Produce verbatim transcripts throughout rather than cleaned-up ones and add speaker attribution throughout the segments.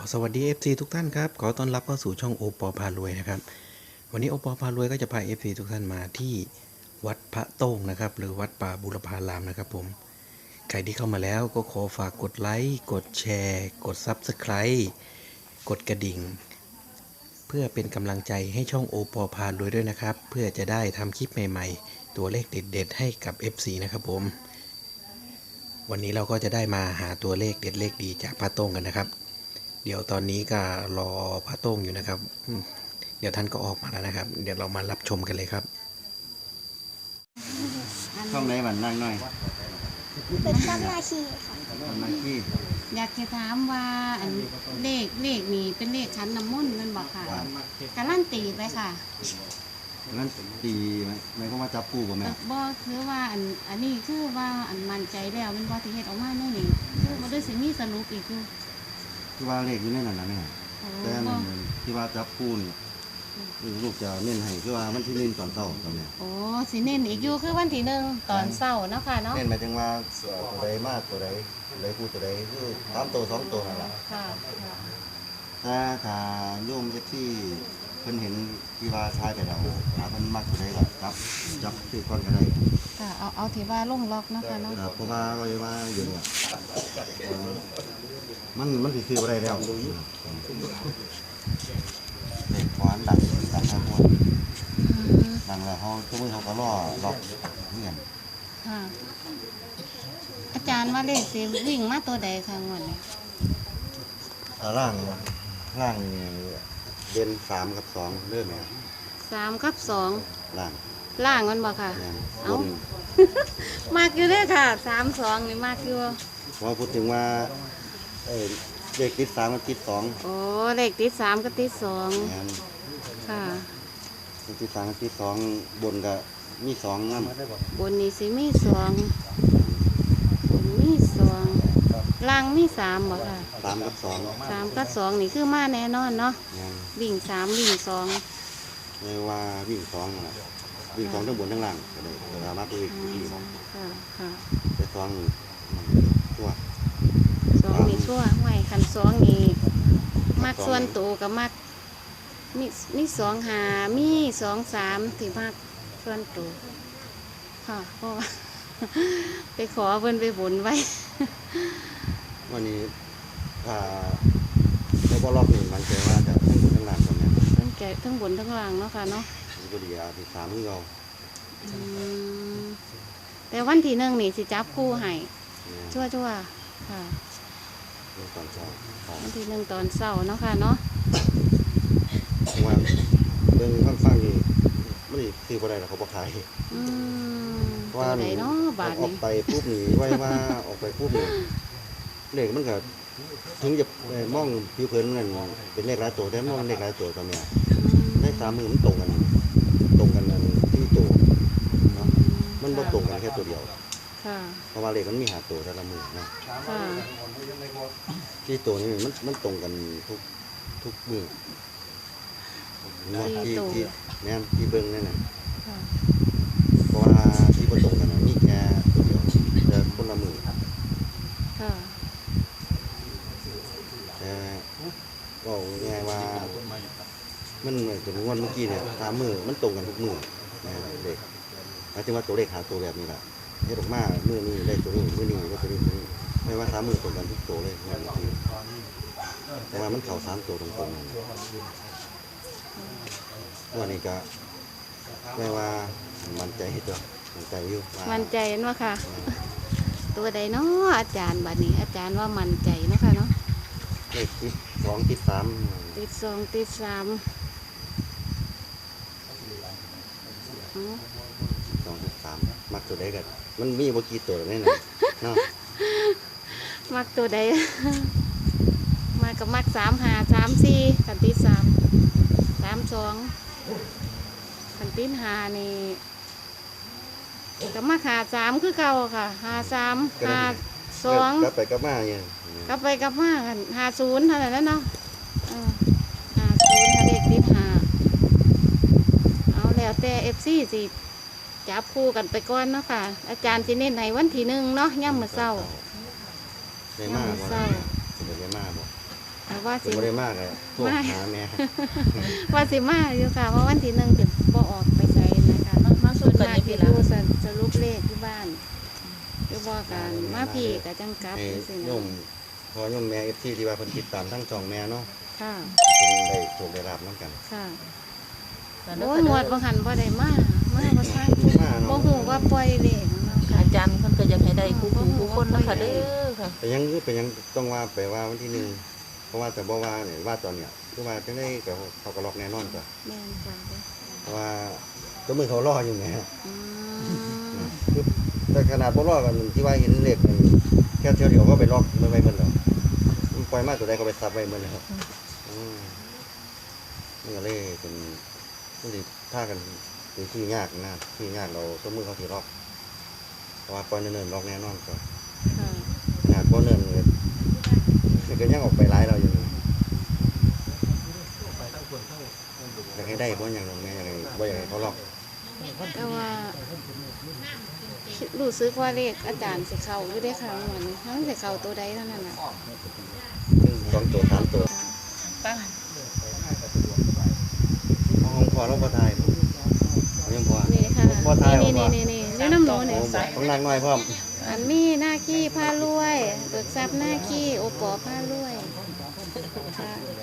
Speaker 1: สวัสดี เอฟ ซี ทุกท่านครับขอต้อนรับเข้าสู่ช่องโอปอพารวยนะครับวันนี้โอปอพารวยก็จะพา เอฟ ซี ทุกท่านมาที่วัดพระโต้งนะครับหรือวัดป่าบุรพารามนะครับผมใครที่เข้ามาแล้วก็ขอฝากกดไลค์กดแชร์กด ซับสไครบ์ กดกระดิ่งเพื่อเป็นกำลังใจให้ช่องโอปอพารวยด้วยนะครับเพื่อจะได้ทำคลิปใหม่ๆตัวเลขเด็ดๆให้กับ เอฟ ซี นะครับผมวันนี้เราก็จะได้มาหาตัวเลขเด็ดเลขดีจากพระโต้งกันนะครับเดี๋ยวตอนนี้ก็รอพระโต้งอยู่นะครับเดี๋ยวท่านก็ออกมาแล้วนะครับเดี๋ยวเรามารับชมกันเลยครับ
Speaker 2: ช่องไหนบันนั่งหน่อย
Speaker 3: เป็นต้นนาคีค่ะ
Speaker 2: ทำหน้าที่
Speaker 4: อยากจะถามว่าอันเลขเลขนี้เป็นเลขชั้นน้ำมนต์แมันบอกค่ะการันตีไปค่ะ
Speaker 2: งั้นตีไหมหมายความว่าจับปูบ่แม่
Speaker 4: แต่บ่คือว่าอันอันนี้คือว่าอันมั่นใจแล้วเป็นบ่ที่เฮ็ดออกมาแน่นี่คือบ่ได้สิมีสรุปอีกอยู่
Speaker 2: ที่ว่าเลขอยู่ในนั้นนะแม่
Speaker 4: โอ้
Speaker 2: แต่อัน
Speaker 4: บ่
Speaker 2: นั้นที่ว่าจับปูนี่ลูกจะเน้นให้คือว่ามันที่เน้นตอนเช้าตอนเนี้ย
Speaker 4: โอ้สิเน้นอีกอยู่คือวันที่หนึ่งตอนเช้าเนาะค่ะเนาะ
Speaker 2: เน้นหมายถึงว่าตัวใดมากตัวใดตัวใดพูดตัวใดคือสามตัวสองตัวนั่นแหละ
Speaker 4: ค่ะค่ะ
Speaker 2: ถ้าถ้าโยมเอฟซีเพิ่นเห็นที่ว่าชายไปแล้วหาเพิ่นมักตัวใดก็จับจับคือก่อนก็ได้
Speaker 4: ค่ะเอาเอาที่ว่าลงล็อกเนาะค่ะเนาะ
Speaker 2: ครับเพราะว่าไว้ว่าอยู่เนี่ยเอ่อมันมันสิซื้อบ่ได้แล้วเด็กหวานดังดังทั้งหมด
Speaker 4: อืม
Speaker 2: ดังแล้วเขาทุกมือเขาก็รอล็อกเงียบ
Speaker 4: ค่ะอาจารย์ว่าเลขสิวิ่งมาตัวใดค่ะงวดนี้
Speaker 2: อ่าร่างร่างนี่เด่นสามกับสองเริ่มไหม
Speaker 4: สามกับสอง
Speaker 2: ร่าง
Speaker 4: ล่างมันบ่ค่ะ
Speaker 2: เนี่ยบ
Speaker 4: เอ้า
Speaker 2: น
Speaker 4: มากอยู่เด้อค่ะสามสองนี่มากอยู่
Speaker 2: พอพูดถึงว่าเออเลขติดสามกับติดสอง
Speaker 4: โอ้เลขติดสามกับติดสอง
Speaker 2: เนี่ย
Speaker 4: ค่ะ
Speaker 2: เลขติดสามกับติดสองบนก็มีสองนั่น
Speaker 4: บนนี่สิมีสองบนมีสองล่างมีสามบ่ค่ะ
Speaker 2: สามกับสอง
Speaker 4: สามกับสองนี่คือมาแน่นอนเนาะ
Speaker 2: เนี่ย
Speaker 4: วิ่งสามวิ่งสอง
Speaker 2: ไม่ว่าวิ่งสองนั่นล่ะวิ่งสองทั้งบนทั้งล่างก็ได้แต่ว่ามาไปวิ่ง
Speaker 4: อื
Speaker 2: ที่
Speaker 4: มค่ะค่ะ
Speaker 2: แต่สองมันตัว
Speaker 4: สองนี่ชั่วไว้คันสองนี่มักส่วนตัวกับมักมีมีสองหามีสองสามที่มักส่วนตัวค่ะเพราะว่า ไปขอเพิ่นไปบนไว้
Speaker 2: วันนี้ถ้าในบอลล็อกนี่มันใจว่าจะทั้งบนทั้งล่างตรงนี้
Speaker 4: ทั้งแก่ทั้งบนทั้งล่างเนาะค่ะเนาะ
Speaker 2: มันก็ดีอาที่สามที่เรา
Speaker 4: อืมแต่วันที่หนึ่งนี่สิจับคู่ให้
Speaker 2: เนี่ย
Speaker 4: ชั่วชั่วๆค่ะ
Speaker 2: เรื่องตอนเช้าครับ
Speaker 4: วันที่หนึ่งตอนเช้าเนาะค่ะเนาะ
Speaker 2: วันเรื่องฟังฟังนี่ไม่ได้ซื้อบ่ได้หรอกเขาบอกขาย
Speaker 4: อืม
Speaker 2: เพ
Speaker 4: ตั
Speaker 2: ราะว่าว
Speaker 4: ใดเนาะบาท
Speaker 2: ออก
Speaker 4: นี่
Speaker 2: ไปปุ๊บนี่ไว้ว่าออกไปปุ๊บนี่เลขมันก็ถึงจะเอ่อมองผิวเผินมันเป็นเลขหลายตัวแต่มองเลขหลายตัวตอนเนี้ยในสามมือมันตรงกัน ตรงกันนั่นที่ตัวเนาะมันบ่ตรงกันแค่ตัวเดียว
Speaker 4: ค่ะ
Speaker 2: เพราะว่าเลขมันมีหาตัวแต่ละมือนะ
Speaker 4: ค่ะ
Speaker 2: ที่ตัวนี้มันมันตรงกันทุกทุกมือเนาะที่ที่แม่นที่เบิ่งนั่นน่ะ
Speaker 4: ค่ะ
Speaker 2: เพราะว่าที่บ่ตรงกันน่ะมีแค่ตัวเดียวแต่คนละมือ
Speaker 4: ค่ะ
Speaker 2: แต่ก็ง่ายๆว่ามันเหมือนกับงวดเมื่อกี้เนี่ยสามมือมันตรงกันทุกมือนะเด็กหมายถึงว่าตัวเลขหาตัวแบบนี้แหละเฮ็ดออกมามือนี้เลขตัวนี้มือนี้เลขตัวนี้ตัวนี้ไม่ว่าสามมือตรงกันทุกตัวเลยงวดเมื่อกี้แต่ว่ามันเข้าสามตัวตรงๆนั่นงวันนี้ก็ไม่ว่ามันใจตัวมันใจอยู่ว่า
Speaker 4: มั่นใจเนาะค่ะ ตัวใดเนาะอาจารย์บัดนี้ อาจารย์ว่ามั่นใจเนาะค่ะเนาะ
Speaker 2: เลขที่สองที่สาม
Speaker 4: ติดสองติดสามอ๋อ
Speaker 2: สองที่สามมักตัวใดกันมันมีบ่กี่ตัวแน่นอนเนาะ
Speaker 4: มักตัวใด มากับมักสามหาสามสี่ขันติดสามสามสองขันติดหานี่กับมักหาสามคือเก่าค่ะหาสามหาสอง
Speaker 2: กลับไปกลับมาเนี่ย
Speaker 4: กลับไปกลับมากันหาศูนย์เท่านั้นแหล้วเนาะเออหาศูนย์ถ้าเด็กติดหาเอาแล้วแต่เอฟซีสิจับคู่กันไปก่อนเนาะค่ะ อาจารย์สิเน้นในวันที่หนึ่งเนาะย่ำมื้อเช้า
Speaker 2: ได้มาบ่
Speaker 4: เศร้า
Speaker 2: ได้มาบ่
Speaker 4: แต่ว่า
Speaker 2: เป็น
Speaker 4: สิ
Speaker 2: บ่ได้มากเลยโทรหาแม่
Speaker 4: ว่าสิมาอยู่ค่ะเพราะวันที่หนึ่งจะบ่ออกไปใช้นะคะ
Speaker 5: มามา
Speaker 4: ส่
Speaker 5: สู้
Speaker 4: วน
Speaker 5: กัน
Speaker 4: มาก
Speaker 5: นี่
Speaker 4: ที่
Speaker 5: พี่ละ
Speaker 4: ดูสรุปสรุปเลขที่บ้านอยู่บ่กันมาพี่กับจังกลับ
Speaker 2: ให้
Speaker 4: จังซี่
Speaker 2: โย
Speaker 4: นะ
Speaker 2: มพอโยมแม่ เอฟ ซี ที่ว่าเพิ่นติดตามทั้งช่องแม่เนาะ
Speaker 4: ค่ะ
Speaker 2: เพิ่นได้โชคได้ลาบนํกัน
Speaker 4: ค่ะ
Speaker 5: กันเด้
Speaker 4: โอ้
Speaker 5: อย
Speaker 4: หมวดบ่หันบ่ได้มามาบ่ทัน
Speaker 2: มาเนาะ
Speaker 4: บ่ฮู้ว่าปล่อยเลขเนาะค่ะ
Speaker 5: อาจารย์เพิ่นก็อยากให้ได้คู่คู่คู่คนนะคะเด้อค่ะ
Speaker 2: แต่ยังคือเป็นยังต้องว่าไปว่าวันที่หนึ่งเพราะว่าแต่บ่ว่าเนี่ยว่าตอนเนี้ยคือว่าจังได๋ก็เขาก็ล็อกแน่นอนก็
Speaker 4: แม่นจ้ะเด้อ
Speaker 2: เพราะว่าตัวมือเขารออยู่แหม
Speaker 4: อืม
Speaker 2: คือแต่ขนาดบ่รอกันที่ว่าเห็นเลขมันแค่เที่ยวเดียวก็ไปล็อกมันไว้เบิ่นแล้วมันปล่อยมาตัวใดก็ไปซับไว้เบิ่นแล้วอืมมันก็เลยเป็นมันสิท่ากันเป็นที่ยากนะที่ยากเราตัวมือเขาสิล็อกเพราะว่าปล่อยเนิ่นๆล็อกแน่นอนก็
Speaker 4: ค่ะ
Speaker 2: ขนาดบ่เนิ่นเลยมันก็ยังออกไปหลายเราอยู่นี่อยากให้ได้บ่อย่างนั้นแม่อยากให้บ่อยากให้เขาล็อก
Speaker 4: แต่ว่ารู้สึกว่าเลขอาจารย์สิเข้าอยู่ได้อค่ะเหมือนมันสิเข้าตัวใดเท่านั้นน่ะ
Speaker 2: ซึ่งสองตัวสามตัว
Speaker 5: ตั้ง
Speaker 2: ห้องพอเราบ่ทายบ่ยังพอ
Speaker 4: นี่ค่ะ
Speaker 2: บ่ทาย
Speaker 4: นี่
Speaker 2: บ่
Speaker 4: นี่นี่นี่นี่น้ำหนูนี่
Speaker 2: ต้องนั่งน้อยพร้อม
Speaker 4: อันมีหน้าขี้ผ้ารวยเบิกทรัพย์หน้าขี้โอปอผ้ารวยค่ะ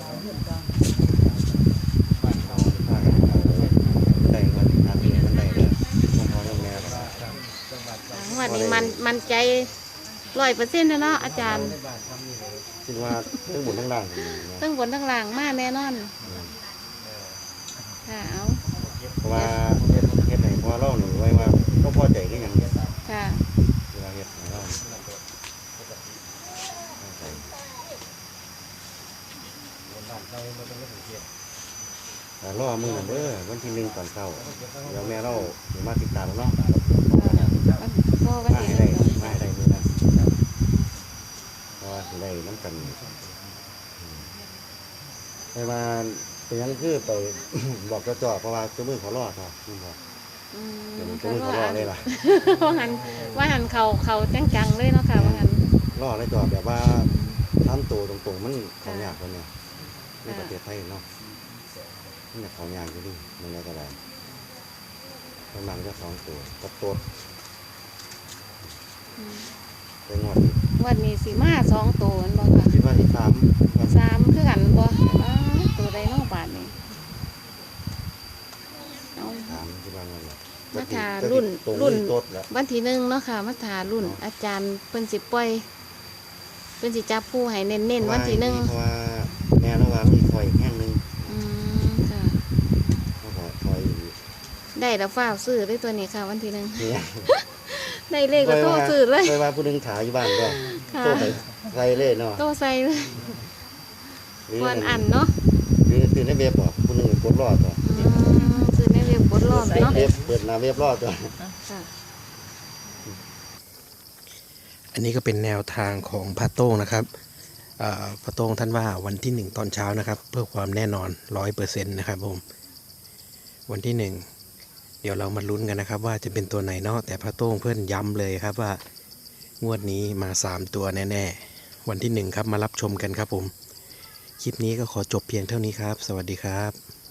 Speaker 2: ได้เงินหาที่มันได้เด้อห้องพอยังแม่ก็
Speaker 4: วันนี้มันมันใจร้อยเปอร์เซ็นต์นะเนาะอาจารย์
Speaker 2: คิดว่าทั้งหมดทั้งล่าง
Speaker 4: ตั้งบนตั้งล่างมาแน่นอนค่ะเอา
Speaker 2: เพราะว่าเฮ็ดเฮ็ดให้พอเราหนูไว้ว่าเราพอใจคือหยังเวลา
Speaker 4: ค่ะ
Speaker 2: เฮ็ดให้เราแต่รอมือเด้อวันที่หนึ่งตอนเช้าเดี๋ยวแม่เราสิมาติดตามเนาะ
Speaker 4: พ่อวัน
Speaker 2: มา
Speaker 4: ที่
Speaker 2: ให้
Speaker 4: ห
Speaker 2: ได้
Speaker 4: นึ่ง
Speaker 2: มาให้ได้มือนั้นเพราะว่าสิได้น้ำกันไปมาเป็นหยังคือไป บอกเจ้าจ่อเพราะว่าเจ้ามือเขารอดครับนี่บอก
Speaker 4: อืม
Speaker 2: เดี๋ยวเจ้ามือเขารอดเลยล่ะ
Speaker 4: ว่าหันว่าหันเขาเขาจังๆเลยเนาะค่ะว่าหัน
Speaker 2: รอดเลยจ่อแบบว่าทำตัวตรงๆมันเขายากคนเนี่ยในประเทศไทยเนาะมันจะเขายากอยู่ดิมันอะไรก็ได้ประมาณจะสองตัวกับตัว
Speaker 4: อืม
Speaker 2: ไปงวดนี้
Speaker 4: วันนี้สีมาสองตัวนั่นบ่ค่ะ
Speaker 2: คิดว่าที่สามวัน
Speaker 4: สามคือกันบ่อ้าวตัวใดเนอกบาทนี่เอา
Speaker 2: สามคิดว่าไงล่ะ
Speaker 4: มาทารุ่น
Speaker 2: ตรง
Speaker 4: รุ่น
Speaker 2: นี้ตัวแล้ว
Speaker 4: วันที่หนึ่งเนาะค่ะมาถารุ่น อาจารย์เพิ่นสิปล่อยเพิ่นสิจับผู้ให้เน้นๆวันที่หนึ่ง
Speaker 2: เพราะว่าแม่ระหว่างมีคอยอีกแห้งหนึง
Speaker 4: อืมค่ะ
Speaker 2: เขาก็คอยอยู่
Speaker 4: ได้แล้วฟ้าวซื้อได้ตัวนี้ค่ะ วันที่หนึ่ง
Speaker 2: เนี่ย
Speaker 4: ได้เลขก็โทรซื้อเลย
Speaker 2: คอยว่าผู้หนึงถ่ายอยู่บ้านก็
Speaker 4: ค่ะ
Speaker 2: โตไปใส่เลยเนาะ
Speaker 4: โตใส่เลย
Speaker 2: หรือ
Speaker 4: ก่อนอันเนาะ
Speaker 2: หรือซื้อในเว็บบ่ผู้หนึงกดรอดตัว
Speaker 4: อืมซื้อในเว็บกดรอบเนาะ
Speaker 2: เว็บเปิดหน้าเว็บรอดตัว
Speaker 4: ค่ะ
Speaker 1: อันนี้ก็เป็นแนวทางของพระโต้งนะครับเอ่อพระโต้งท่านว่าวันที่หนึ่งตอนเช้านะครับ เพื่อความแน่นอนร้อยเปอร์เซ็นต์นะครับผมวันที่หนึ่งเดี๋ยวเรามาลุ้นกันนะครับ ว่าจะเป็นตัวไหนเนาะแต่พระโต้งเพื่อนย้ำเลยครับว่างวดนี้มาสามตัวแน่ๆวันที่หนึ่งครับมารับชมกันครับผมคลิปนี้ก็ขอจบเพียงเท่านี้ครับ สวัสดีครับ